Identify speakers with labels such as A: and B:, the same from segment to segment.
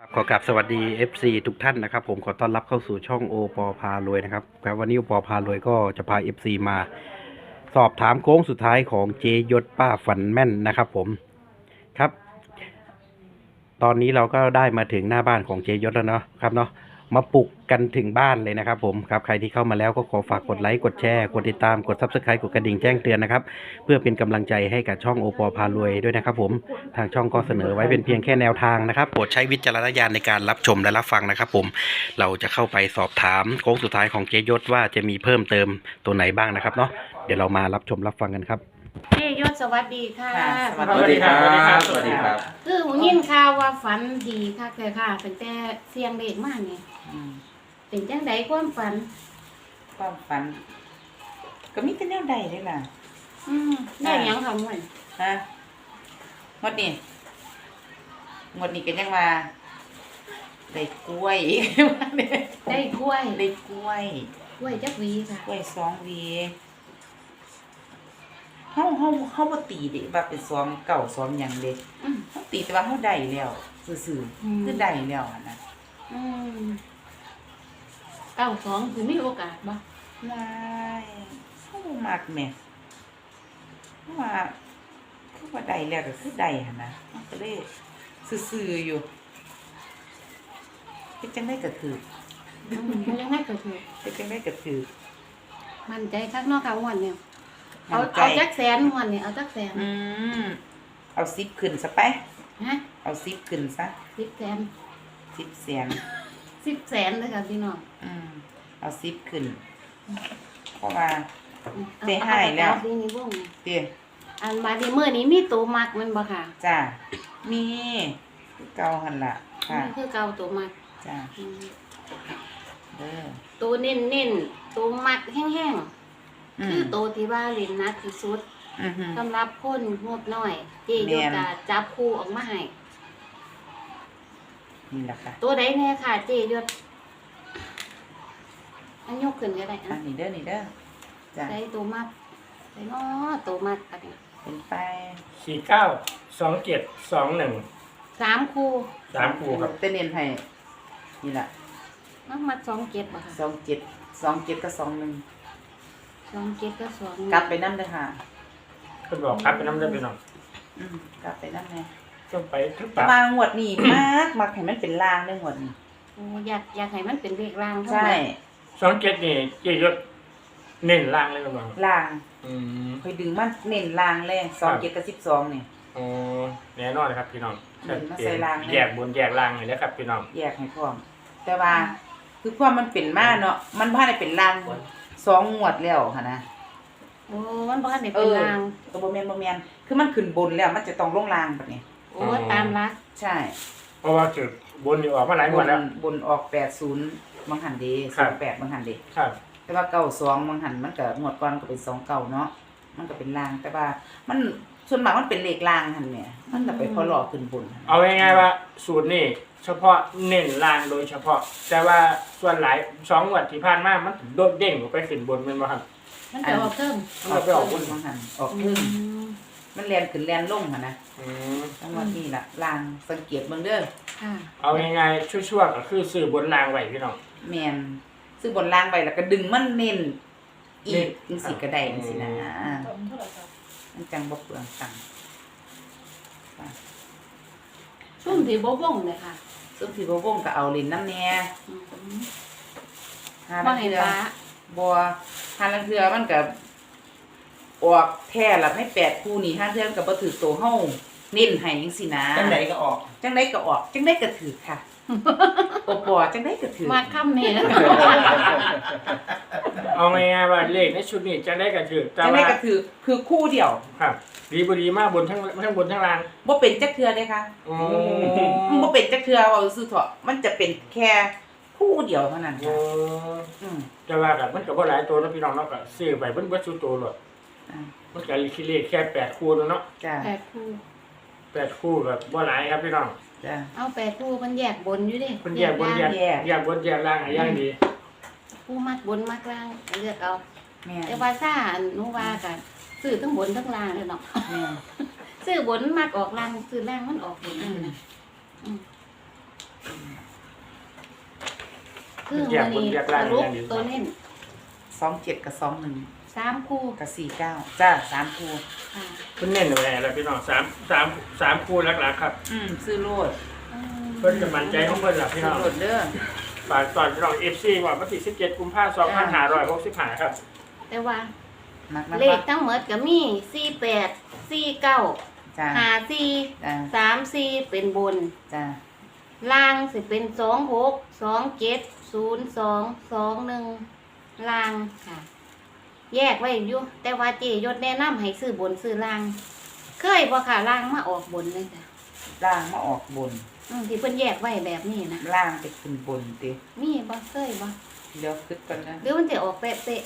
A: ขอกราบสวัสดี FC ทุกท่านนะครับผมขอต้อนรับเข้าสู่ช่องโอปอพารวยนะครับครับวันนี้โอปอพารวยก็จะพา FC มาสอบถามโค้งสุดท้ายของเจยศป้าฝันแม่นนะครับผมครับตอนนี้เราก็ได้มาถึงหน้าบ้านของเจยศแล้วเนาะครับเนาะมาปลุกกันถึงบ้านเลยนะครับผมครับใครที่เข้ามาแล้วก็ขอฝากกดไลค์กดแชร์กดติดตามกด Subscribe กดกระดิ่งแจ้งเตือนนะครับเพื่อเป็นกำลังใจให้กับช่องโอปอพารวยด้วยนะครับผมทางช่องก็เสนอไว้เป็นเพียงแค่แนวทางนะครับโปรดใช้วิจารณญาณในการรับชมและรับฟังนะครับผมเราจะเข้าไปสอบถามโค้งสุดท้ายของเจยศว่าจะมีเพิ่มเติมตัวไหนบ้างนะครับเนาะเดี๋ยวเรามารับชมรับฟังกันครับ
B: เฮ้ยศสวัสดีค่ะ
C: สวัสดีครับสวัสดีครับ
B: คือหูยินข่าวว่าฝันดีค่ะแต่ค่ะเป็นแต่เสียงเด็กมากนี่เป็นจังไดความฝัน
C: ความฝัน ก็มีแต่แนวใดเลยล่ะ
B: ได้หยังทำมัน
C: ฮะงดนี่กันยังว่าได้กล้วย
B: ได้กล้วย
C: ได้กล้วย
B: กล้วยจักหวีค่ะ
C: กล้วย2 หวีเฮาบ่ตีเด้ว่าเป็น2 เก่า2หยังเด้
B: อืม
C: เฮาตีแต่ว่าเฮาได้แล้วซื่อๆคือได้แล้วหั่นน่ะ
B: อืม92คือมีโอกาสบ่
C: ได้เฮาบ่มักแหมเพราะว่าได้แล้วก็คือได้หั่นน่ะมันก็เลยซื่อๆอยู่เฮ็ดจังได๋ก็ถูก
B: มันยังไงก็คือ
C: เฮ็ดจังได๋ก็ถูก
B: มั่นใจคักเนาะค่ะวันเนี่ยเอา
C: มั่นใจ
B: เอาจักแสนวันเนี่ยเอาจักแสน
C: เอา10ขึ้นซะไป
B: ฮะ
C: เอา10ขึ้นซะ
B: 10แสน
C: 10แสน
B: 10แสนเลยค่ะพี่น้อง
C: เอา10ขึ้นเพราะว่า
B: เอา
C: ได้ให้แล้ว
B: เอานี่วง
C: เด้อ
B: อันมาดีมื้อนี้มีตัวมักมันบ่ค่ะ
C: จ้ามีคือเก่าหั่นล่ะค่ะ
B: นี่คือเก่าตัวมัก
C: จ้าเด้อ
B: ตัวเน้นๆตัวมักแห้งๆคือตัวที่ว่าเล่นนักที่สุด
C: อือฮึ
B: สำหรับคนงบน้อย เจโยกาจับคู่ออกมาให้
C: นี่ล่ะค่ะ
B: ตัวใดแน่ค่ะ เจยศอันยกขึ้นก็ได้
C: อั
B: อ่ะ
C: นนี้เด้อนี่เด้อจ้า
B: ได้ตัวมักได้เนาะตัวมักอันนี้
C: เป็นไป
D: 492721
B: 3คู่
D: 3คู่ครับ
C: แต่เน้นให้นี่ล่ะ
B: มักมัก27บ่ค่ะ
C: 27กับ21
B: 27กับ2
C: กลับไปนำเด้อค่ะ
D: เพิ่นบอกครับเป็นน้ำได้ไปน้อง
C: กลับไปนำแน่
D: ต้องไปทุก
C: แต่
D: ปาก
C: ว่างวดนี้ มักให้มันเป็นลางเด้องวดนี้
B: โอ้อยากให้มันเป็นเลขรางเท่า
C: ใช่
B: นั้น
D: 27นี่เจยศเน้นล่างเลยน้อง
C: ลาง
D: อืม
C: ค่อยดึงมันเน้นลางเลย27กับ12นี่
D: อ๋อแน่นอนครับพี่น้อง
C: เน้นมาใส่ล่างเลย
D: แยกบนแยกล่างเลยนะครับพี่น้อง
C: แยกให้พร้อมแต่ว่าคือความมันเป็นมาเนาะมันบ่ได้เป็นลาง2 งวดแล้วหั่นนะ
B: โอ้มันบ่ทันได้เป็นราง
C: ตัวบ่แม่นคือมันขึ้นบนแล้วมันจะต้องลงล่างแบบนี้
B: โอ้ตามรัก
C: ใช่
D: เพราะว่าจุดบนนี่ออกมาหลายงวดแล้ว
C: บนออก80บางหันเด้
D: ครับ
C: 28บางหันเด้
D: ครับ
C: แต่ว่า92บางหันมันก็งวดก่อนก็เป็น29เนาะมันก็เป็นลางแต่ว่ามันส่วนมากมันเป็นเลขลางหั่นแหมมันก็ไปพอหลอกขึ้นบน
D: เอาง่ายๆว่าสูตรนี่เฉพาะเน้นล่างโดยเฉพาะ แต่ว่าส่วนหลาย2งวดที่ผ่านมามันโดดเด้งออกไปขึ้นบนแม่นบ่ครับ
B: มันจะออกเพิ่ม
C: มันไปออกบนบางหันออกครึ่งมันแล่นขึ้นแล่นลงหั่นนะ
D: อืม
C: ทั้งหมดนี่ล่ะลางสังเกตเบิ่งเด้อ
B: ค่ะ
D: เอาง่ายๆชั่วๆก็คือซื้อบนล่างไว้พี่น้อง
C: แม่นซื้อบนล่างไว้แล้วก็ดึงมันเน้นอี
D: เน้
C: ก
D: น
C: จังซี่ก็ได้จังซี่นะมันจังบ่เปลืองตังค์
B: ซุ่มที่บ่วงเลยค่ะ
C: ซุมที่บ่วงก็เอาเล่นน้ำแหน่
B: อืม
C: หา
B: บ่
C: ลัง
B: เห็น
C: เทื่อ
B: ฟ้า
C: บ่หาลังเทื่อมันก็ออกแท้ละให้8คู่นี่หาเทื่อมันก็บ่ถือโตเฮาเน้นให้จังซี่นะ
D: จังไดก็ออก
C: จังไดก็ออกจังไดก็ถือค่ะ โอปอจังไดก็ถือ
B: มาค่ำนี่แล้ว
D: เอาง่ายๆว่าเลขในชุดนี้จะได้กระถือแต่
C: จังได
D: ว่า
C: ก็ถือคือคู่เดียว
D: ครับ ดีบดีมากบนทั้งบนทั้งล่าง
C: บ่เป็นจักเทื่อเด้ค่ะ
D: อืม
C: มันบ่เป็นจักเทื่อว่าซื่อๆเถาะมันจะเป็นแค่คู่เดียวเท่านั้น
D: อื
C: ค่ะ
D: ม
C: อืม
D: แต่ว่ากับมันก็บ่หลายตัวเนาะพี่น้องเนาะก็ซื้อไปเบิ่บ่สู้ตัวหรอก
C: อ่า
D: มันก็คิดเลขแค่8คู่เนาะ
C: จ้า
B: 8คู่
D: 8คู่ก็บ่หลายครับพี่น้อง
C: จ้า
B: เอา8คู่มันแยกบนอยู่ดิ
D: มันแยกบนแยก
C: แยก
D: แยกบนแยกล่างอะอย่างดี
B: ผู้มักบนมักล่างเลือกเอา
C: แม่
B: แต่ว่าซ่าหนูว่ากันซื้อทั้งบนทั้งล่างเลยเนาะ
C: แม่
B: ซื้อบนมักออกล่างซื้อล่างมันออกบนนั่นนะคือมื้อนี้สรุปตัวเน้น
C: 27กับ21
B: 3คู่
C: กับ49จ้า3คู่
B: ค่ะ
D: เพิ่นเน้นไว้แล้วพี่น้อง3คู่หลักๆครับ
C: ซื้อโลด
D: เพิ่นจะมั่นใจของเพิ่นล่ะพี่
C: ซื้
D: น้
C: อ
D: อง
C: โลดเด้อ
D: ฝากตอนพี่น้อง FC ว่าวันที่17กุมภาพันธ์2565ครับ
B: แต่ว่า
C: มัก
B: เลขทั้งหมดก็มี48 49
C: จ้า
B: 54
C: จ้า
B: 34เป็นบน
C: จ้า
B: ล่างสิเป็น26 27 02 21ล่างค่ะ แยกไว้อยู่แต่ว่าเจยศแนะนำให้ซื้อบนซื้อล่าง เคยบ่ค่ะล่างมาออกบนเลยจ้ะ
C: ล่างมาออกบน
B: ที่เพิ่นแยกไว้แบบนี้นะ
C: ล่างไปขึ้นบนติ
B: มีบ่เคยบ่
C: เดี๋ยวคิดก่อนนะ
B: หรือมันจะออกเป๊ะ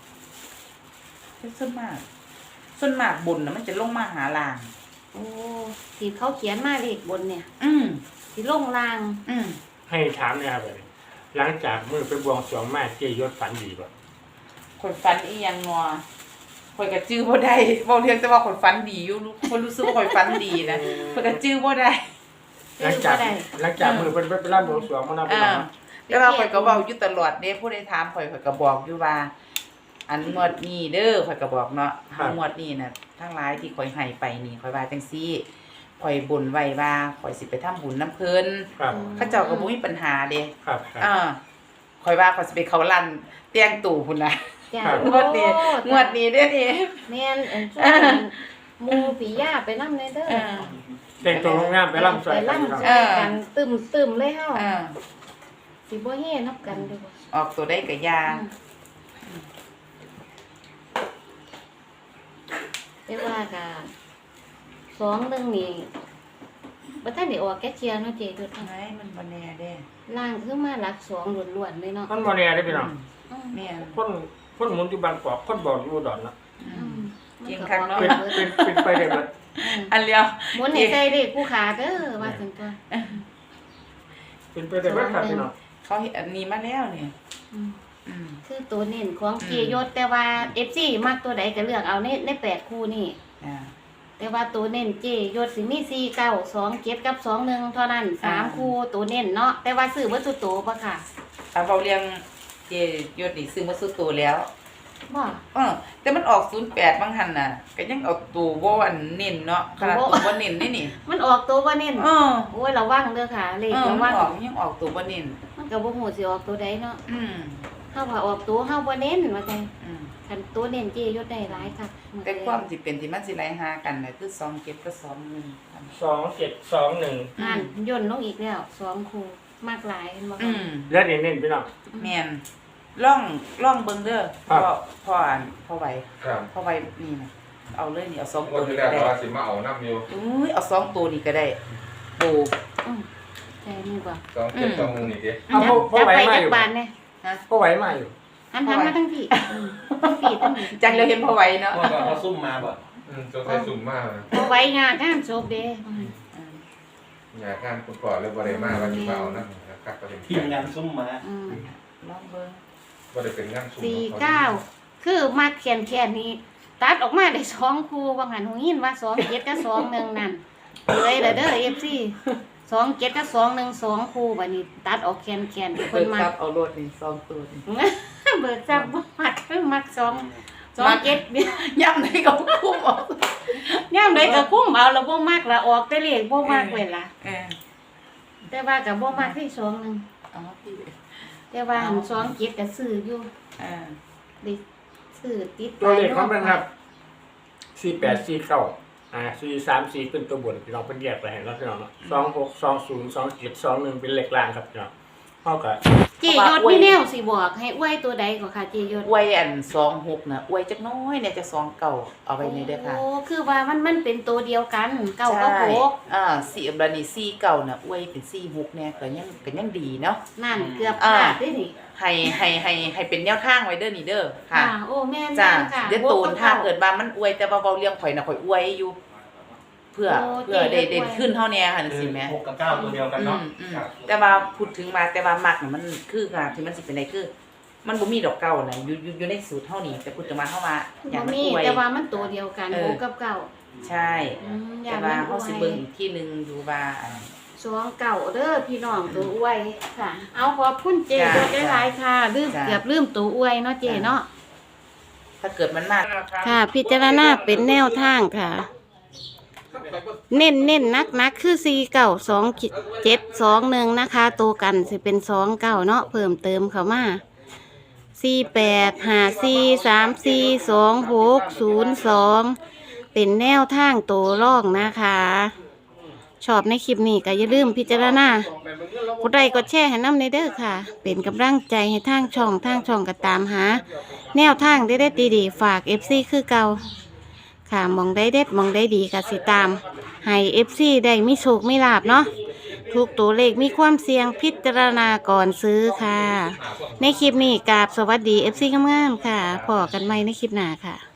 C: ส่วนมากบนน่ะมันจะลงมาหาล่าง
B: ๆโอ้ที่เขาเขียนมาเลขบนเนี่ย
C: อืม
B: สิลงล่าง
C: อืม
D: ให้ถามเนี่ยครับหลังจากมื้อไปบวงสรวงมาเจยศฝันดีบ่
C: ข่อยฝันอีหยังงัวข่อยก็จื้อบ่ได้เว้าเรื่องแต่ว่าข่อยฝันดีอยู่ข่อยรู้สึกว่าข่อยฝันดีนะข่อยก็จื้อบ่ได้
D: หลังจากมื้อเพิ่นไปรำบวงสรวงมาเนาะพี่น้อง
C: แต่ว่าข่อยก็เว้าอยู่ตลอดเด้ผู้ใดถามข่อยก็บอกอยู่ว่า อันงวดนี้เด้อข่อยก็บอกเนาะงวดนี้น่ะทั้งหลายที่ข่อยให้ไปนี่ข่อยว่าจังซี่ข่อยบ่นไว้ว่าข่อยสิไปทำบุญนำเพิ่น
D: ครับ
C: เขาเจ้าก็บ่มีปัญหาเด้
D: ครับ
C: ข่อยว่าข่อยสิไปเข้าร้านเตียงตู่พุ่นน่ะ
B: จ้ะ
C: งวดนี้เด้อนี่
B: แม่นช่วงหมู่ปิยาไปนำเลยเด้อ
D: แต่งตัวงามไปรำสวย
B: ไป
D: กันพี่น้อง
B: รำช่วยกันตึมๆเลยเฮา
C: อ่า
B: สิบ่เฮนับกันเด้อบ่
C: ออกตัวได้ก็ยา
B: แต่ว่าก็2-1นี่บ่ทันได้ออกแกเชียร์เนาะเจดุด
C: ไหนมันบ่แน่เด้
B: ล่างคือมาหลัก2ล้วนๆเลยเนาะ
D: มันบ่แน่เด้อพี่น้อง
B: อืม
C: แม่น
D: คนหมุนอยู่บางกอกคนบอกอยู่อุดอนเนาะ
C: จริงคักเนาะ
D: เป็นไปได้เบิด
C: อันเลียว
B: หมุนให้ใส่เลขผู้ขาเด้อว่าจังซั่น
D: เป็นไปได้เบิดครับพี่น้อง
C: เขาเห็นอันนี้มาแล้วนี่
B: อืม
C: อืม
B: คือตัวเน้นของเจยศแต่ว่า FC มักตัวใดก็เลือกเอาใน8คู่นี่
C: อ่า
B: แต่ว่าตัวเน้นเจยศสิมี4 9 2 7กับ21เท่านั้น3คู่ตัวเน้นเนาะแต่ว่าซื้อบ่สุดโตบ่ค่ะ
C: เอาเว้าเรียงเจยศนี่ซื้อมาสุดตัวแล้ว
B: บ่
C: แต่มันออก08บางหันน่ะก็ยังเอาตัวบ่อันเน้นเนาะขนาดตัวบ่เน้นนี่
B: มันออกตัวบ่เน้น
C: เออ
B: โอ้ยระวังเด้อค่ะเลข
C: มั
B: ระ
C: น
B: วัง
C: ออกยังออกตัวบ่เน้น
B: มันก็บ่ฮู้สิออกตัวใดเนาะ
C: อืม
B: เฮาว่าออกตัวเฮาบ่เน้นว่าจัง
C: อืม
B: คันตัวเน้นเจยศได้หลายคัก
C: แต่ความสิเป็นที่มันสิไหลหากันน่ะคือ27กับ21
D: 2721
B: อ่านย่นลงอีกแล้ว2คู่มากหลายเห็นบ่
C: อื
B: คะ
C: ม
D: แล้วเน้นๆพี่น้อง
C: แม่นล่องเบิ่งเด้อ
D: ครับ
C: พ่อไหว
E: ครับ
C: พ่อไหวนี่นะเอาเลยนี่เอา2
E: ง
C: ตัว ว
E: ดที่
C: นี่
E: แร
C: ก็
E: ก
C: ได้
E: ว่าสิมาเอาน้ำอยู่
C: อุ้ยเอา2ตัวนี่ก็ได้โอ้
B: อืมใช่นี่บ่
E: 2 7 2 1นี่ดิ
D: เอาพ่อไหวมาอยู่
B: จักบานเนี่ย
D: พ่อไหวมาอยู่
B: หันมาทั้งพี่ทั้งพี่ทั้งพี่
C: จังเราเห็นพ่อไหวเนาะ
A: เมื่อก่อนเขาซุ่มมาบ่
E: จนใส่สุ่มมาก
B: เอาไว้งานงานศพเด้
E: อยากการคุณก่อนเลยบ่ได้มาว่าสิมาเอาน้ำนะครับก็เป็น
A: ทีมงานซุ่มมา
B: อืม
C: ลองเบิ่ง
E: บ่ได้เป็นงานสุ่ม
B: 49คือมาเขียนแค่นี้ ตัดออกมาได้2คู่ว่างั้นหูยินว่า2 7กับ2 1นั่นเลยเด้อ FC 2 7กับ2 1 2คู่บัดนี้ตัดออกแคนๆ
C: เพิ่
B: เพิ่
C: น
B: นมา
C: จับเอารถนี่2ตัวนี่
B: เบิกจับบ่มักคือมัก2 7
C: ย่ำไหนก็คุ้มออก
B: ยามใดก็คุ้มเอาแล้วบ่มักละออกแต่เลขบ่มักเว้ยล่ะ
C: เออ
B: แต่ว่าก็บ่มักที่2 1
C: เอาพี่
B: แต่ว่าหัน2 7ก็ซื้ออยู่
C: อ่า
B: ได้ซื้อติด
D: ตัวเลขของมันครับ4849434เป็นตัวบนพี่น้องเพิ่นแยกไปให้แล้วพี่น้องเนาะ26 20 27 21เป็นเลขล่างครับพี่น้องเฮาก็
B: เจยศมีแนวสิบอกให้อวยตัวใดก็ค่ะเจยศ
C: อวยอัน26น่ะอวยจักน้อยเนี่ยจะ2เก่าเอาไว้นี่เด้อค่ะ
B: โอ้คือว่ามันเป็นตัวเดียวกันเก้ากับหก
C: สี่บัดนี้4เก่าน่ะอวยเป็น46เนี่ยก็ยังดีเนาะ
B: นั่นเกือบพลาดได้นี่
C: ให้เป็นแนวทางไว้เด้อนี่เด้อค่ะ
B: โอ้แม่น
C: จ้า
B: ค่ะ
C: เดี๋ยวตูนถ้าเกิดว่ามันอวยแต่ว่าเว้าเรื่องข่อยน่ะข่อยอวยอยู่ เพื่อได้เด่นขึ้นเท่าแน่ค่ะจังซี่แหม
A: 6กับ9ตัวเดียวกันเนาะ
C: แต่ว่าพูดถึงมาแต่ว่ามักน่ะมันคือค่ะที่มันสิเป็นไดคือ มันบ่มีดอกเก่าน่ะอยู่ในสูตรเฮานี่แต่พูดถึงมาเฮาว่าอย่า
B: บ่
C: งมัน
B: มี
C: อวย
B: แต่ว่ามันตัวเดียวกัน
C: เออ
B: หกกับเก้า
C: ใช่
B: อ
C: แต่
B: ย่าง
C: ว่า
B: นั้น
C: เฮาสิเบิ่งอีกที่นึงอยู่ว่า
B: 2เก่าเด้อพี่น้องตัวอวยค่ะ เอาขอบคุณเจยศหลายๆค่ะเกือบลืมตัวอวยเนาะเจเนาะ
C: ถ้าเกิดมันมาก
B: ค่ะ พิจารณาเป็นแนวทางค่ะ เน้นนักคือ492721นะคะตัวกันสิเป็น29เนาะเพิ่มเติมเข้ามา4854342602เป็นแนวทางตัวร่องนะคะ ชอบในคลิปนี้ก็อย่าลืมพิจารณากดไลค์กดแชร์ให้น้ำในเด้อค่ะ เป็นกำลังใจให้ทางช่องก็ตามหา แนวทางเด็ดๆดีๆฝาก FC คือเก่าค่ะมองได้เด็ดมองได้ดีก็สิตามให้ FC ได้มีโชคมีลาภเนาะทุกตัวเลขมีความเสี่ยงพิจารณาก่อนซื้อค่ะ ในคลิปนี้กราบสวัสดี FC งามๆค่ะพอกันใหม่ในคลิปหน้าค่ะ